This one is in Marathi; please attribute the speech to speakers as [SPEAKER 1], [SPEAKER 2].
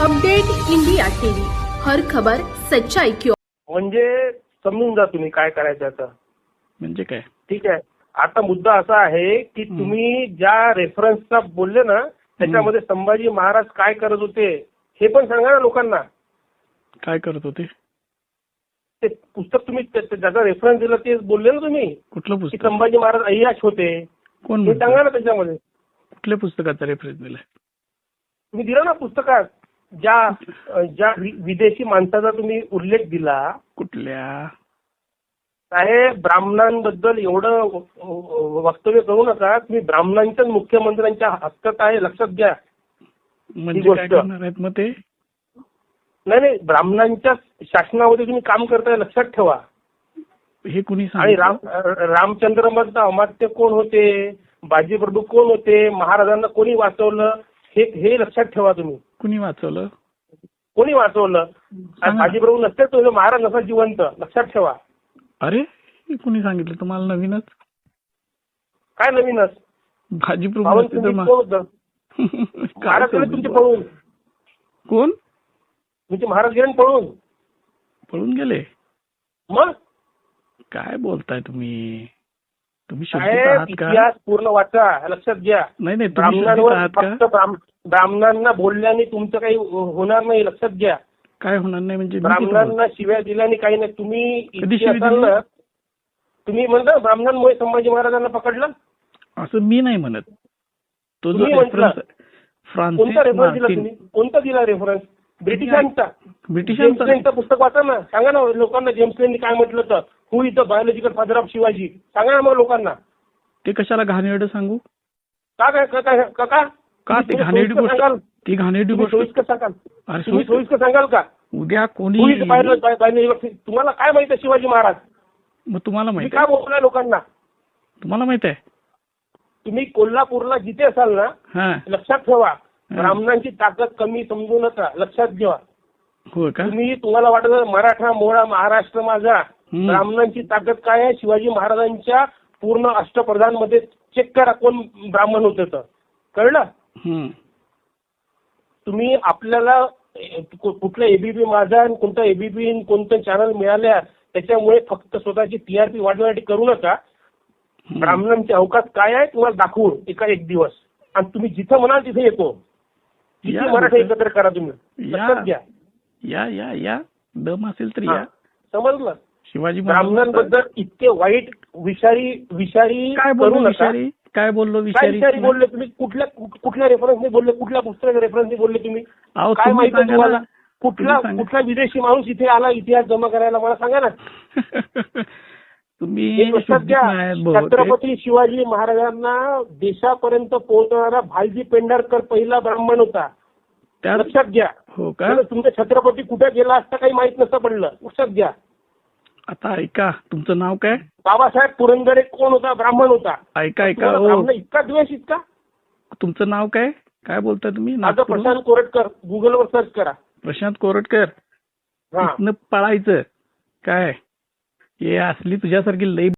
[SPEAKER 1] अपडेट इंडिया टीव्ही, हर खबर सच्चाई की ओर।
[SPEAKER 2] म्हणजे समजून जा तुम्ही काय करायचं आता.
[SPEAKER 3] म्हणजे काय?
[SPEAKER 2] ठीक आहे. आता मुद्दा असा आहे की तुम्ही ज्या रेफरन्सचा बोलले ना त्याच्यामध्ये संभाजी महाराज काय करत होते हे पण सांगा ना लोकांना.
[SPEAKER 3] काय करत होते?
[SPEAKER 2] ते पुस्तक तुम्ही ज्याचा रेफरन्स दिला ते बोलले ना तुम्ही
[SPEAKER 3] कुठलं
[SPEAKER 2] की
[SPEAKER 3] पुस्तक?
[SPEAKER 2] संभाजी महाराज अय्याश होते.
[SPEAKER 3] कोण
[SPEAKER 2] हे
[SPEAKER 3] म्हणतं?
[SPEAKER 2] सांगा ना त्याच्यामध्ये.
[SPEAKER 3] कुठल्या पुस्तकाचा रेफरन्स दिलाय?
[SPEAKER 2] तुम्ही दिला ना पुस्तकात ज्या ज्या विदेशी माणसाचा तुम्ही उल्लेख दिला.
[SPEAKER 3] कुठल्या?
[SPEAKER 2] साहेब ब्राह्मणांबद्दल एवढं वक्तव्य करू नका. तुम्ही ब्राह्मणांच्याच मुख्यमंत्र्यांच्या हक्कात आहे, लक्षात घ्या.
[SPEAKER 3] म्हणजे काय करणार आहेत मग ते?
[SPEAKER 2] नाही ब्राह्मणांच्या शासनामध्ये तुम्ही काम करताय, लक्षात ठेवा.
[SPEAKER 3] हे कुणी
[SPEAKER 2] आणि
[SPEAKER 3] सांगितलं?
[SPEAKER 2] रामचंद्र मधलं अमात्य कोण होते, बाजीप्रभू कोण होते, महाराजांना कोणी वाचवलं हे लक्षात ठेवा तुम्ही.
[SPEAKER 3] कुणी वाचवलं?
[SPEAKER 2] कोणी वाचवलं? बाजीप्रभू नसते तो महाराज नसा जिवंत, लक्षात ठेवा.
[SPEAKER 3] अरे हे कुणी सांगितलं तुम्हाला? नवीनच?
[SPEAKER 2] काय नवीनच?
[SPEAKER 3] भाजीप्रभू नसते तर
[SPEAKER 2] कोण होतं? महाराज गेले तुमचे पळून.
[SPEAKER 3] कोण?
[SPEAKER 2] तुमचे महाराज गेले पळून.
[SPEAKER 3] पळून गेले?
[SPEAKER 2] मग
[SPEAKER 3] काय बोलताय तुम्ही? तुम्ही शोधित
[SPEAKER 2] साहेब
[SPEAKER 3] आहात का?
[SPEAKER 2] इतिहास पूर्ण वाचा, लक्षात घ्या.
[SPEAKER 3] नाही तुम्ही शोधित
[SPEAKER 2] ब्राह्मणांवर
[SPEAKER 3] आहात का?
[SPEAKER 2] फक्त ब्राह्मणांना बोलल्याने तुमचं काही होणार नाही, लक्षात घ्या.
[SPEAKER 3] काय होणार नाही म्हणजे?
[SPEAKER 2] ब्राह्मणांना शिव्या दिल्याने काही नाही. तुम्ही
[SPEAKER 3] कधी
[SPEAKER 2] इतके
[SPEAKER 3] शिवी
[SPEAKER 2] असाल
[SPEAKER 3] दिली?
[SPEAKER 2] ना, तुम्ही म्हणता ब्राह्मणांमुळे संभाजी महाराजांना पकडलं.
[SPEAKER 3] असं मी नाही म्हणत. तो जो
[SPEAKER 2] तुम्ही म्हटलं.
[SPEAKER 3] रेफरन्स
[SPEAKER 2] कोणता रेफरन्स दिला
[SPEAKER 3] फ्रान्सिस
[SPEAKER 2] तुम्ही? कोणता दिला रेफरन्स? ब्रिटिशांचा. जेम्स
[SPEAKER 3] ब्रिटिशांचा
[SPEAKER 2] लेनचं पुस्तक वाचा ना, सांगा ना लोकांना जेम्स लेननी काय म्हटलं तर. Who is the biological father of Shivaji, सांगा ना मग लोकांना.
[SPEAKER 3] ते कशाला घाणेरडं सांगू?
[SPEAKER 2] का काय का काय का का
[SPEAKER 3] का ते घाणेरडी गोष्ट? ती घाणेरडी गोष्ट
[SPEAKER 2] सोयीस्कर सांगाल.
[SPEAKER 3] अरे
[SPEAKER 2] तुम्ही सोयीस्कर सांगाल का?
[SPEAKER 3] उद्या कोणी
[SPEAKER 2] तुम्हाला काय माहित आहे शिवाजी महाराज?
[SPEAKER 3] मग तुम्हाला
[SPEAKER 2] तुम्ही
[SPEAKER 3] माहित
[SPEAKER 2] काय
[SPEAKER 3] आहे?
[SPEAKER 2] बोलताय लोकांना?
[SPEAKER 3] तुम्हाला माहित आहे?
[SPEAKER 2] तुम्ही कोल्हापूरला जिथे असाल ना,
[SPEAKER 3] हा
[SPEAKER 2] लक्षात ठेवा ब्राह्मणांची ताकद कमी समजू नका, लक्षात घ्या.
[SPEAKER 3] हो का?
[SPEAKER 2] तुम्हाला वाटत मराठा मोळा महाराष्ट्र माझा. ब्राह्मणांची ताकद काय आहे? शिवाजी महाराजांच्या पूर्ण अष्टप्रधान मध्ये चेक करा कोण ब्राह्मण होते तर कळलं. तुम्ही आपल्याला कुठलं एबीपी माझा आणि कोणतं एबीपी कोणतं चॅनल मिळाल्या त्याच्यामुळे फक्त स्वतःची टीआरपी वाढवण्यासाठी करू नका. ब्राह्मणांचे अवकाश काय आहे तुम्हाला दाखवू एक दिवस, आणि तुम्ही जिथं म्हणाल तिथे येतो. किती मराठा एकत्र करा तुम्ही, लक्षात घ्या.
[SPEAKER 3] या दम असेल तर या.
[SPEAKER 2] समजलं?
[SPEAKER 3] शिवाजी
[SPEAKER 2] ब्राह्मणांबद्दल इतके वाईट विषारी
[SPEAKER 3] काय
[SPEAKER 2] करू
[SPEAKER 3] बोललो?
[SPEAKER 2] नका.
[SPEAKER 3] विषारी काय बोललो?
[SPEAKER 2] काय विषारी बोलले तुम्ही? कुठल्या रेफरन्सने बोलले? कुठल्या पुस्तकाच्या रेफरन्सने बोलले तुम्ही? काय माहिती तुम्हाला? कुठला विदेशी माणूस इथे आला इतिहास जमा करायला मला सांगा ना.
[SPEAKER 3] तुम्ही
[SPEAKER 2] लक्षात घ्या. छत्रपती शिवाजी महाराजांना देशापर्यंत पोहोचणारा भालजी पेंढारकर पहिला ब्राह्मण होता, लक्षात घ्या.
[SPEAKER 3] हो का?
[SPEAKER 2] तुमचा छत्रपती कुठे गेला असता काही माहित नसतं पडलं, लक्षात घ्या.
[SPEAKER 3] आता ऐका, तुमचं नाव काय?
[SPEAKER 2] बाबासाहेब पुरंदरे कोण होता? ब्राह्मण होता.
[SPEAKER 3] ऐका
[SPEAKER 2] ब्राह्मण इतका द्वेष इतका.
[SPEAKER 3] तुमचं नाव काय? काय बोलताय तुम्ही?
[SPEAKER 2] माझं प्रशांत कोरटकर. गुगलवर सर्च करा.
[SPEAKER 3] प्रशांत कोरटकर. इथनं पळायचं काय? हे असली तुझ्यासारखी लई